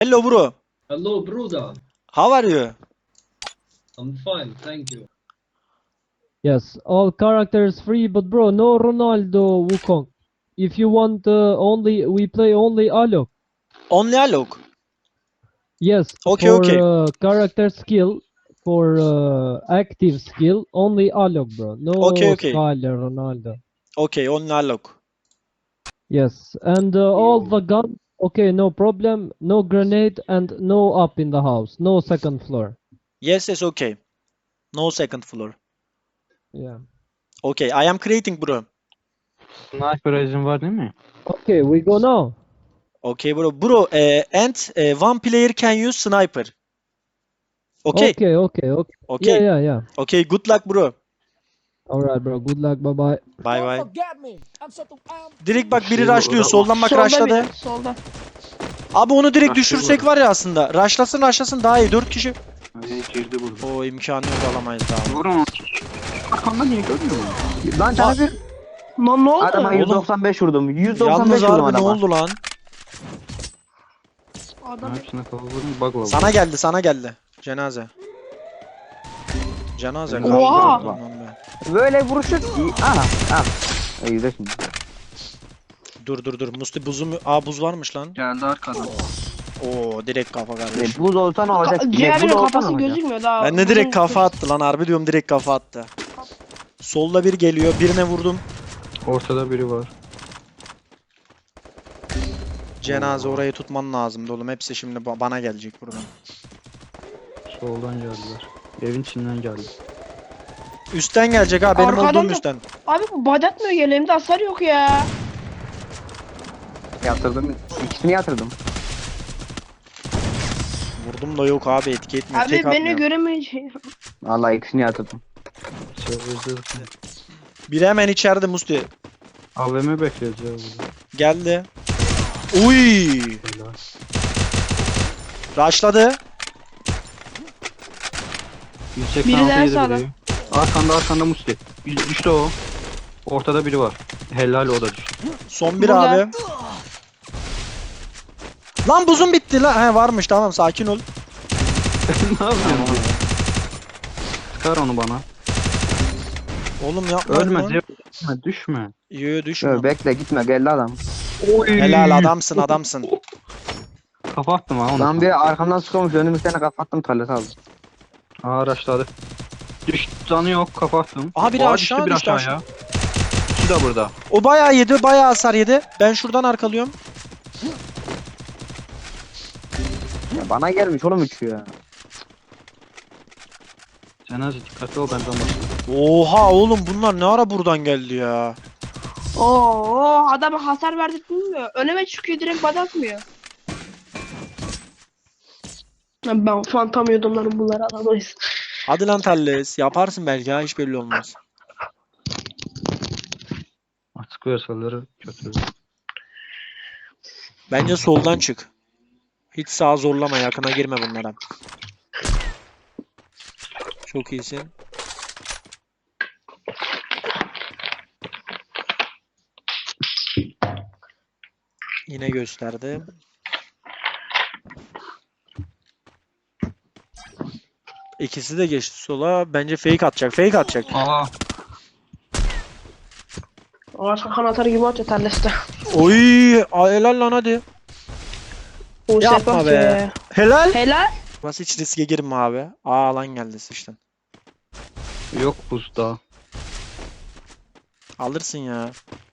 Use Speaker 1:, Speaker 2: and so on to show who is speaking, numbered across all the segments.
Speaker 1: Hello, bro.
Speaker 2: Hello, brother.
Speaker 1: How are you?
Speaker 2: I'm fine, thank you.
Speaker 3: Yes, all characters free, but bro, no Ronaldo Wukong. If you want we play only Alok.
Speaker 1: Only Alok.
Speaker 3: Yes,
Speaker 1: Okay,
Speaker 3: for
Speaker 1: okay.
Speaker 3: character skill, for active skill, only Alok, bro.
Speaker 1: Okay,
Speaker 3: No
Speaker 1: okay.
Speaker 3: Skyler, Ronaldo.
Speaker 1: Okay, only Alok.
Speaker 3: Yes, and all the guns, okay, no problem. No grenade and no up in the house. No second floor.
Speaker 1: Yes, yes, okay. No second floor.
Speaker 3: Yeah.
Speaker 1: Okay, I am creating, bro.
Speaker 4: Sniper izin var değil mi?
Speaker 3: Okay, we go now.
Speaker 1: Okay, bro. Bro, one player can use sniper. Okay.
Speaker 3: Okay, okay, okay. Yeah,
Speaker 1: Okay.
Speaker 3: yeah, yeah.
Speaker 1: Okay, good luck, bro.
Speaker 3: Alright, bro. Good luck. Bye bye.
Speaker 1: Bye bye.
Speaker 5: Forget me. I'm so
Speaker 1: Direkt bak biri
Speaker 4: Şey,
Speaker 1: rushlıyor.
Speaker 4: o-
Speaker 1: Soldan bak
Speaker 6: Solda
Speaker 1: rushladı.
Speaker 6: biri, solda.
Speaker 1: Abi onu direkt
Speaker 4: Rushlıyor
Speaker 1: düşürsek
Speaker 4: bu
Speaker 1: var ya aslında. Rushlasın daha iyi. 4 kişi.
Speaker 4: Ay, girdi burada.
Speaker 1: O imkanı yok, alamayız daha.
Speaker 4: Vurun onu. Arkamda niye görmüyor musun?
Speaker 7: Lan sana bir
Speaker 6: Lan ne oldu?
Speaker 7: adama 195 vurdum. 195
Speaker 1: Yalnız
Speaker 7: vurdum
Speaker 1: harbi ne
Speaker 7: adama.
Speaker 1: oldu lan?
Speaker 6: Adam
Speaker 4: Hepsine kafa vurdum bug'la.
Speaker 1: Sana geldi. Cenaze. Cenaze
Speaker 4: Oha!
Speaker 1: kaldı. Lan be.
Speaker 7: Böyle vuruşu aha al. İyi de şimdi.
Speaker 1: Dur. Musti buzu mu? Aa, buz varmış lan.
Speaker 4: Geldi arkadan.
Speaker 1: Oo, direkt kafa kardeş.
Speaker 7: Buz olsa ne olacak?
Speaker 6: Ciğerinin
Speaker 7: Buz olsa ne
Speaker 6: kafası
Speaker 7: olacak?
Speaker 6: gözükmüyor daha.
Speaker 1: Ben de direkt kafa attı lan, harbi diyorum, direkt kafa attı. Solda bir geliyor, birine vurdum.
Speaker 4: Ortada biri var.
Speaker 1: Cenaze, orayı tutman lazımdı oğlum. Hepsi şimdi bana gelecek buradan.
Speaker 4: Soldan geldiler. Evin içinden geldi.
Speaker 1: Üstten gelecek ha, benim
Speaker 6: Arkadan
Speaker 1: olduğum
Speaker 6: da-
Speaker 1: üstten.
Speaker 6: Abi bu badatmıyor, yeleğimde hasar yok ya.
Speaker 7: Yatırdım. İkisini yatırdım.
Speaker 1: Vurdum da yok abi, etki etmiyor.
Speaker 6: Abi
Speaker 1: Tek
Speaker 6: beni
Speaker 1: atmıyor.
Speaker 6: göremeyecek.
Speaker 7: Vallahi ikisini yatırdım.
Speaker 4: Sözde
Speaker 1: Biri hemen içeride Musti.
Speaker 4: AVM bekliyoruz ya burada.
Speaker 1: Geldi. Uy!
Speaker 4: Helal.
Speaker 1: Rushladı.
Speaker 4: 186
Speaker 6: Biri daha
Speaker 4: yedi
Speaker 6: sağda.
Speaker 4: biri. Arkanda Musti. Düştü o. Ortada biri var. Helal, o da düştü.
Speaker 1: Son bir
Speaker 6: Burada.
Speaker 1: abi. Lan buzun bitti lan. He, varmış, tamam, sakin ol.
Speaker 4: Ne yapıyorsun? Çıkar onu bana.
Speaker 1: Oğlum yapma.
Speaker 4: Ölme,
Speaker 1: lan.
Speaker 4: düşme, düşme.
Speaker 1: Yo, düşme.
Speaker 7: Şöyle bekle gitme geldi adam.
Speaker 1: Helal, adamsın.
Speaker 4: Kafa attım ha onu.
Speaker 7: Lan bir arkamdan sıkılmış önümüzden kapattım talet aldım.
Speaker 4: Aa, araçladı. Düştü, canı yok, kafa attım.
Speaker 1: Aha, biri
Speaker 4: Aa,
Speaker 1: aşağı
Speaker 4: bir
Speaker 1: düştü,
Speaker 4: aşağıya. İkisi de burada.
Speaker 1: O bayağı yedi, bayağı hasar yedi. Ben şuradan arkalıyorum.
Speaker 7: Ya bana gelmiş oğlum üçü ya.
Speaker 4: Cenaze dikkatli ol, benden başla.
Speaker 1: Oha oğlum, bunlar ne ara buradan geldi ya?
Speaker 6: Oo, adama hasar verdirtmiyor. Önüme çıkıyor, direkt badatmıyor. Ben fantamıyordum lan bunları alamayız.
Speaker 1: Hadi lan Talles, yaparsın belki ha, hiç belli olmaz.
Speaker 4: Açık versaları kötü.
Speaker 1: Bence soldan çık. Hiç sağa zorlama, yakına girme bunlara. Çok iyisin. Yine gösterdi. İkisi de geçti sola. Bence fake atacak.
Speaker 4: Aa,
Speaker 6: Ağaç kakan atar gibi atıyor terleste.
Speaker 1: Oy, helal lan, hadi. Yapma be. Helal.
Speaker 6: Helal.
Speaker 1: Nasıl, hiç riske girme abi. Aa, lan geldi sıçtın.
Speaker 4: yok buzda.
Speaker 1: Alırsın ya.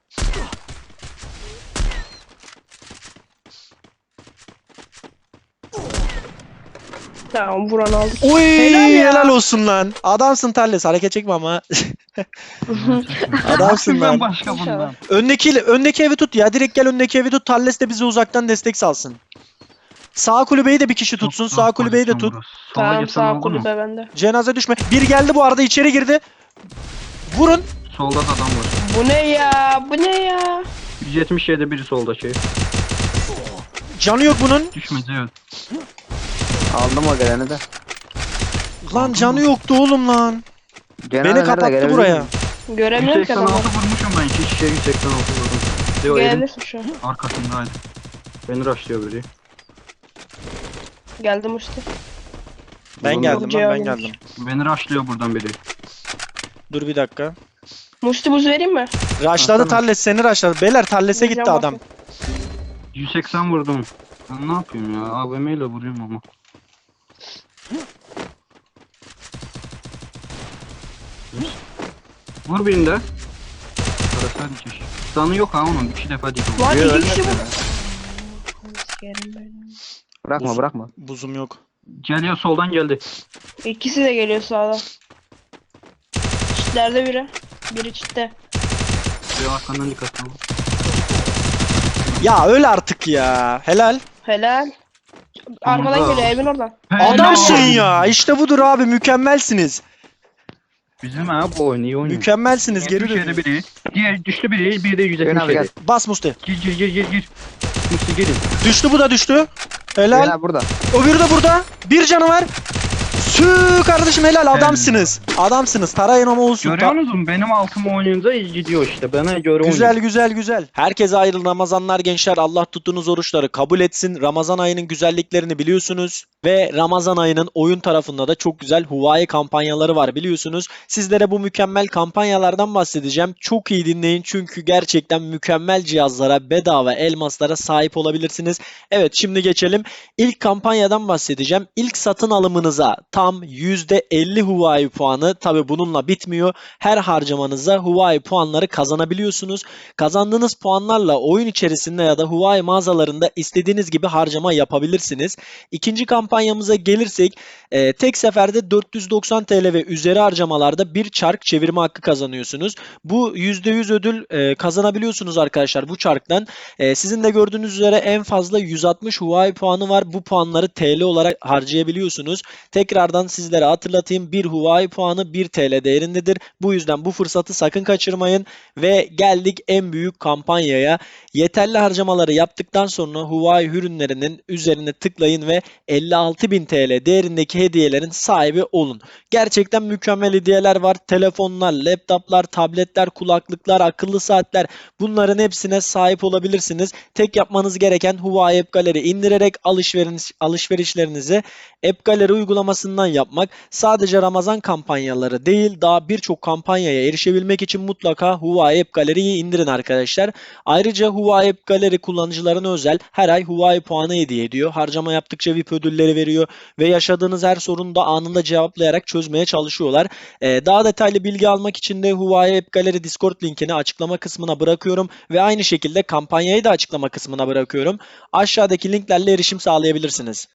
Speaker 6: Tamam, vuran aldık.
Speaker 1: Oy,
Speaker 6: Helal ya.
Speaker 1: helal olsun lan. Adamsın Talles, hareket çekme ama. Adamsın lan.
Speaker 4: Başka bundan.
Speaker 1: Öndeki evi tut ya. Direkt gel, öndeki evi tut. Talles de bize uzaktan destek salsın. Sağ kulübeyi de bir kişi tutsun. Sağ kulübeyi de tut.
Speaker 6: Tamam, sağ kulübe bende.
Speaker 1: Cenaze düşme. Bir geldi bu arada, içeri girdi. Vurun.
Speaker 4: Solda da adam var.
Speaker 6: Bu ne ya? Bu ne ya?
Speaker 4: 177 biri soldaki.
Speaker 1: Canı yok bunun.
Speaker 4: Düşmedi, evet.
Speaker 7: Aldım o geleni de.
Speaker 1: Lan canı yoktu oğlum lan.
Speaker 7: Cenaze
Speaker 1: Beni
Speaker 7: nerede,
Speaker 1: kapattı
Speaker 7: gelebilir
Speaker 1: buraya.
Speaker 7: miyim?
Speaker 6: Göremiyorum ki adamı.
Speaker 4: 186 vurmuşum ben. 2 kişiye 186 vurdum. Leo evin
Speaker 6: Gelebilirsin şu an.
Speaker 4: arkasındaydı. Beni rushlıyor biri.
Speaker 6: Geldim Musti.
Speaker 1: Ben
Speaker 7: Oğlum,
Speaker 1: geldim lan, ben
Speaker 6: cevabıymış.
Speaker 1: geldim.
Speaker 4: Beni rushlıyor buradan biri.
Speaker 1: Dur bir dakika.
Speaker 6: Musti buz vereyim mi?
Speaker 1: Raşladı
Speaker 4: tamam.
Speaker 1: Talles, seni raşladı. Beyler Talles'e gitti
Speaker 6: Vereceğim
Speaker 1: adam.
Speaker 6: bak.
Speaker 4: 180 vurdum. Ben ne yapayım ya? AVM ile vuruyorum ama. Vur birini de. Parası hadi çeş. Canı yok ha onun. 2 defa değil.
Speaker 6: Lan
Speaker 7: Yo,
Speaker 6: iki
Speaker 7: ölmesin
Speaker 6: kişi bu.
Speaker 7: ya.
Speaker 6: Sikerim ben.
Speaker 7: Bırakma bırakma.
Speaker 1: Buzum yok.
Speaker 4: Geliyor soldan geldi.
Speaker 6: İkisi de geliyor sağdan. Çitlerde biri. Biri çitte.
Speaker 4: Bir arkandan dikkat ol.
Speaker 1: Ya öl artık ya. Helal.
Speaker 6: Helal. Arkadan
Speaker 4: Onda.
Speaker 6: geliyor evin oradan.
Speaker 1: Adamsın ya. İşte budur abi. Mükemmelsiniz.
Speaker 4: Bizim ha bu oyun iyi oynuyor.
Speaker 1: Mükemmelsiniz. Geri
Speaker 4: 77
Speaker 1: dönün.
Speaker 4: biri. Diğer düştü biri. Bir de
Speaker 7: Cenab gel.
Speaker 4: 177.
Speaker 1: Bas Musti.
Speaker 4: Gir. Musti gelin.
Speaker 1: Düştü, bu da düştü.
Speaker 7: Helal.
Speaker 1: Helal.
Speaker 7: Burada.
Speaker 1: Öbürü de burada. Bir canı var. Sü kardeşim, helal, adamsınız. Adamsınız. Tarayın ama olsun.
Speaker 4: Görüyor musun? Benim altıma oynayınca iyi gidiyor işte. Bana göre
Speaker 1: Güzel
Speaker 4: oynuyor.
Speaker 1: güzel güzel. Herkese hayırlı Ramazanlar gençler. Allah tuttuğunuz oruçları kabul etsin. Ramazan ayının güzelliklerini biliyorsunuz. Ve Ramazan ayının oyun tarafında da çok güzel Huawei kampanyaları var biliyorsunuz. Sizlere bu mükemmel kampanyalardan bahsedeceğim. Çok iyi dinleyin çünkü gerçekten mükemmel cihazlara, bedava elmaslara sahip olabilirsiniz. Evet, şimdi geçelim. İlk kampanyadan bahsedeceğim. İlk satın alımınıza tam %50 Huawei puanı. Tabi bununla bitmiyor. Her harcamanıza Huawei puanları kazanabiliyorsunuz. Kazandığınız puanlarla oyun içerisinde ya da Huawei mağazalarında istediğiniz gibi harcama yapabilirsiniz. İkinci kampanyamıza gelirsek tek seferde 490 TL ve üzeri harcamalarda bir çark çevirme hakkı kazanıyorsunuz. Bu %100 ödül kazanabiliyorsunuz arkadaşlar bu çarktan. Sizin de gördüğünüz üzere en fazla 160 Huawei puanı var. Bu puanları TL olarak harcayabiliyorsunuz. Tekrardan sizlere hatırlatayım, bir Huawei puanı 1 TL değerindedir. Bu yüzden bu fırsatı sakın kaçırmayın. Ve geldik en büyük kampanyaya. Yeterli harcamaları yaptıktan sonra Huawei ürünlerinin üzerine tıklayın ve 56.000 TL değerindeki hediyelerin sahibi olun. Gerçekten mükemmel hediyeler var. Telefonlar, laptoplar, tabletler, kulaklıklar, akıllı saatler, bunların hepsine sahip olabilirsiniz. Tek yapmanız gereken Huawei App Gallery indirerek alışverişlerinizi App Gallery uygulamasından yapmak. Sadece Ramazan kampanyaları değil, daha birçok kampanyaya erişebilmek için mutlaka Huawei App Gallery'yi indirin arkadaşlar. Ayrıca Huawei App Gallery kullanıcılarına özel her ay Huawei puanı hediye ediyor. Harcama yaptıkça VIP ödülleri veriyor ve yaşadığınız her sorunu da anında cevaplayarak çözmeye çalışıyorlar. Daha detaylı bilgi almak için de Huawei App Gallery Discord linkini açıklama kısmına bırakıyorum ve aynı şekilde kampanyayı da açıklama kısmına bırakıyorum. Aşağıdaki linklerle erişim sağlayabilirsiniz.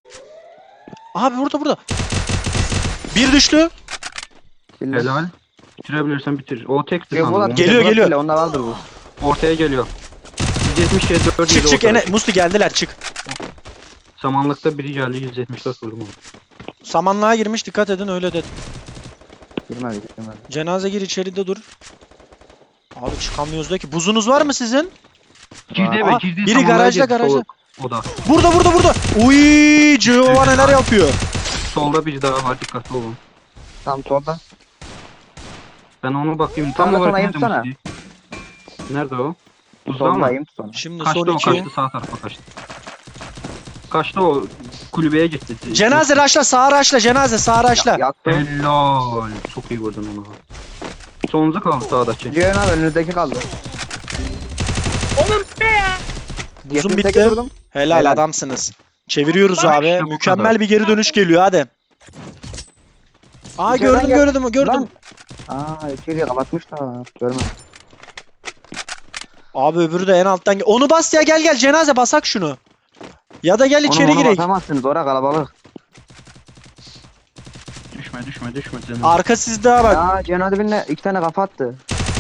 Speaker 1: Abi burada. Bir düştü.
Speaker 4: Helal. Bitirebilirsen bitir. O tekti
Speaker 7: Yok,
Speaker 4: sanırım.
Speaker 7: ulan,
Speaker 4: Onu-
Speaker 1: Geliyor, geliyor.
Speaker 7: Onda vardır bu.
Speaker 4: Ortaya geliyor. 177 4
Speaker 1: Çık Musti geldiler, çık.
Speaker 4: Samanlıkta biri geldi 174 vurdum onu.
Speaker 1: Samanlığa girmiş, dikkat edin, öyle de.
Speaker 7: Girmedi.
Speaker 1: Cenaze gir, içeride dur. Abi çıkamıyoruz da ki. Buzunuz var mı sizin?
Speaker 4: Girdi
Speaker 1: Aa,
Speaker 4: eve girdi.
Speaker 1: biri
Speaker 4: samanlığa
Speaker 1: garajda,
Speaker 4: girdi,
Speaker 1: garajda.
Speaker 4: O da.
Speaker 1: Burada. Uy, Cihova neler yapıyor?
Speaker 4: Solda biri daha var, dikkatli olun.
Speaker 7: Tam solda.
Speaker 4: Ben ona bakayım.
Speaker 7: Sonra
Speaker 4: Tam olarak
Speaker 7: sonra
Speaker 4: nerede
Speaker 7: yapsana.
Speaker 4: Musti? Nerede o? Buzda mı?
Speaker 7: Soldayım sonra.
Speaker 1: Şimdi
Speaker 4: Kaçtı
Speaker 1: son
Speaker 4: o,
Speaker 1: iki.
Speaker 4: kaçtı sağ tarafa kaçtı. Kaçtı o, kulübeye gitti.
Speaker 1: Cenaze raşla, sağa raşla, cenaze sağa raşla.
Speaker 7: Yaktım.
Speaker 4: Helal. Çok iyi vurdun onu. Sonucu kaldı sağdaki.
Speaker 7: Cihan abi önünüzdeki kaldı.
Speaker 6: Oğlum ne ya?
Speaker 1: Buzum
Speaker 7: 78
Speaker 1: bitti.
Speaker 7: vurdum.
Speaker 1: Helal,
Speaker 7: Helal.
Speaker 1: adamsınız. Çeviriyoruz
Speaker 4: Bak
Speaker 1: abi.
Speaker 4: işte bu
Speaker 1: Mükemmel
Speaker 4: kadar.
Speaker 1: bir geri dönüş geliyor, hadi. Aa,
Speaker 7: İçeriden
Speaker 1: gördüm.
Speaker 7: Lan. Aa içeriye kapatmışlar. Görmedim.
Speaker 1: Abi öbürü de en alttan onu bas ya, gel cenaze, basak şunu. Ya da gel içeri
Speaker 7: Onu
Speaker 1: girek.
Speaker 7: basamazsınız, orada kalabalık.
Speaker 4: Düşme. Canım.
Speaker 1: Arka sizde ha bak.
Speaker 7: Ya Cihan abi benimle 2 tane kafa attı.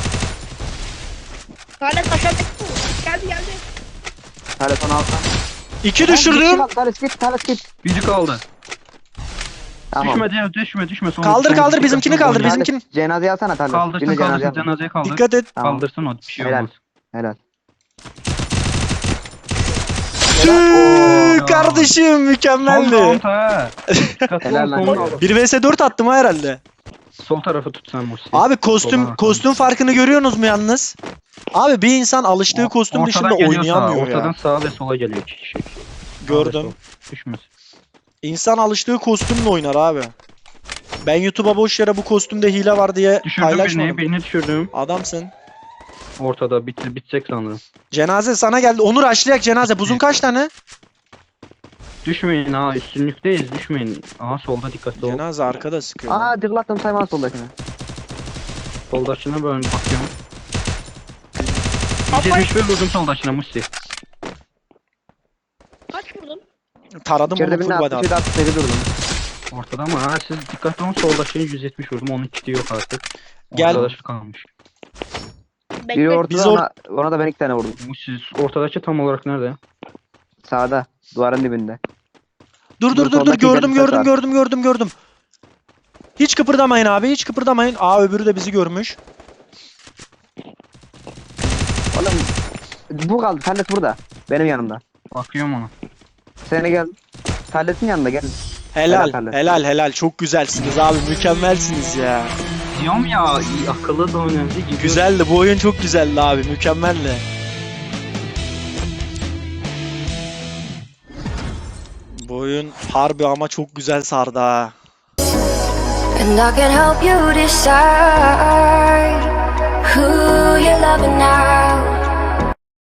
Speaker 6: Talet aşağıda. Geldi.
Speaker 7: Telefon alsam.
Speaker 1: İki düşürdüm.
Speaker 7: Talet git.
Speaker 4: Biri kaldı.
Speaker 7: Tamam.
Speaker 4: Düşme.
Speaker 1: Kaldır bizimkini, kaldır bizimkini.
Speaker 7: Cenazeyi alsana Talet.
Speaker 4: Kaldırsın,
Speaker 7: Şimdi cenazeyi al.
Speaker 4: cenazeyi kaldır.
Speaker 1: Dikkat et.
Speaker 7: Tamam.
Speaker 4: Kaldırsın o, bir şey
Speaker 7: Helal.
Speaker 4: olmaz.
Speaker 7: Helal.
Speaker 1: Tüh, kardeşim
Speaker 4: Son
Speaker 1: mükemmeldi.
Speaker 4: round ha. Dikkatli
Speaker 7: Helal
Speaker 4: ol,
Speaker 7: lan.
Speaker 4: son round.
Speaker 1: 1 vs 4 attım ha herhalde.
Speaker 4: Sol tarafı tut sen Musi.
Speaker 1: Abi
Speaker 4: Sola
Speaker 1: kostüm farkını görüyorsunuz mu yalnız? Abi bir insan alıştığı kostüm dışında
Speaker 4: Ortadan geliyor
Speaker 1: oynayamıyor
Speaker 4: sağa,
Speaker 1: ya.
Speaker 4: Ortadan sağa ve sola geliyor iki kişi. Sağ ve
Speaker 1: Gördüm.
Speaker 4: sol. Düşmesin.
Speaker 1: İnsan alıştığı kostümle oynar abi. Ben YouTube'a boş yere bu kostümde hile var diye
Speaker 4: Düşürdüm
Speaker 1: paylaşmadım.
Speaker 4: birini düşürdüm.
Speaker 1: Adamsın.
Speaker 4: Ortada bitecek sanırım.
Speaker 1: Cenaze sana geldi. Onur aşlayak cenaze. Buzun kaç tane?
Speaker 4: Düşmeyin ha, üstünlükteyiz, düşmeyin. Aha solda dikkatli ol.
Speaker 1: Cenaze arkada sıkıyor.
Speaker 7: Aa dıklattım sayma soldakine.
Speaker 4: Soldakine böyle bakıyorum. 171 vurdum soldakine Musti.
Speaker 6: Kaç vurdun?
Speaker 1: Taradım
Speaker 7: İçeride
Speaker 1: onu
Speaker 7: birini
Speaker 1: full
Speaker 7: attı,
Speaker 1: body
Speaker 7: şeyde attı, seni durdum.
Speaker 4: Ortada ama ha siz dikkatli olun, soldakine 170 vurdum, onun kiti yok artık.
Speaker 1: Gel.
Speaker 4: Ortadaşı kalmış.
Speaker 7: Biri
Speaker 6: Bekle.
Speaker 7: ortada,
Speaker 1: Biz
Speaker 7: ona da ben 2 tane vurdum.
Speaker 4: Musti ortadaki tam olarak nerede?
Speaker 7: Sağda, duvarın dibinde.
Speaker 1: Dur
Speaker 7: soldaki
Speaker 1: gördüm
Speaker 7: ileride
Speaker 1: gördüm. Hiç kıpırdamayın abi, hiç kıpırdamayın. Aa, öbürü de bizi görmüş.
Speaker 7: Oğlum bu kaldı, Tallet burada. Benim yanımda.
Speaker 4: Bakıyorum ona.
Speaker 7: Seni gel. Tallet'in yanında gel.
Speaker 1: Helal
Speaker 7: Helal.
Speaker 1: helal çok güzelsiniz abi, mükemmelsiniz ya.
Speaker 4: Diyorum ya, akıllı da önemli. Gidiyor.
Speaker 1: Güzeldi, bu oyun çok güzeldi abi, mükemmeldi. Bu oyun harbi ama çok güzel sardı ha.
Speaker 5: And I can help you decide who you're loving now.